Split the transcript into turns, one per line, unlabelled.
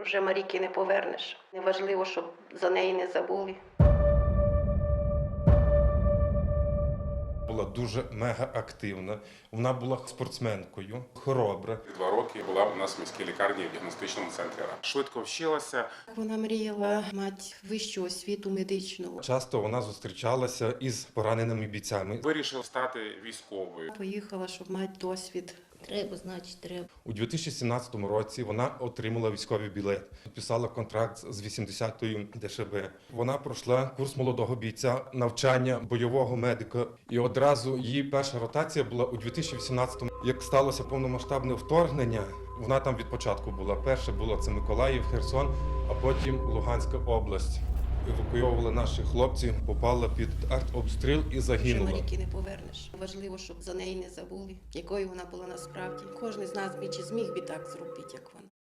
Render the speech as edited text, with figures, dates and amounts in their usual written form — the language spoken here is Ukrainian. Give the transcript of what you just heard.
вже Марійки не повернеш. Неважливо, щоб за неї не забули.
Була дуже мега-активна, вона була спортсменкою, хоробра.
2 роки була у нас в міській лікарні в діагностичному центрі РА. Швидко вчилася.
Вона мріяла мати вищу освіту медичну.
Часто вона зустрічалася із пораненими бійцями.
Вирішила стати військовою.
Поїхала, щоб мати досвід.
Треба, значить, треба.
У 2017 році вона отримала військовий білет, підписала контракт з 80-ю ДШБ. Вона пройшла курс молодого бійця, навчання бойового медика. І одразу її перша ротація була у 2018-му. Як сталося повномасштабне вторгнення, вона там від початку була. Перше було це Миколаїв, Херсон, а потім Луганська область. Евакуйовували наших хлопців, попала під артобстріл і
Що
загинула.
Марійки не повернеш. Важливо, щоб за неї не забули, якою вона була насправді. Кожен з нас би чи зміг би так зробити, як вона.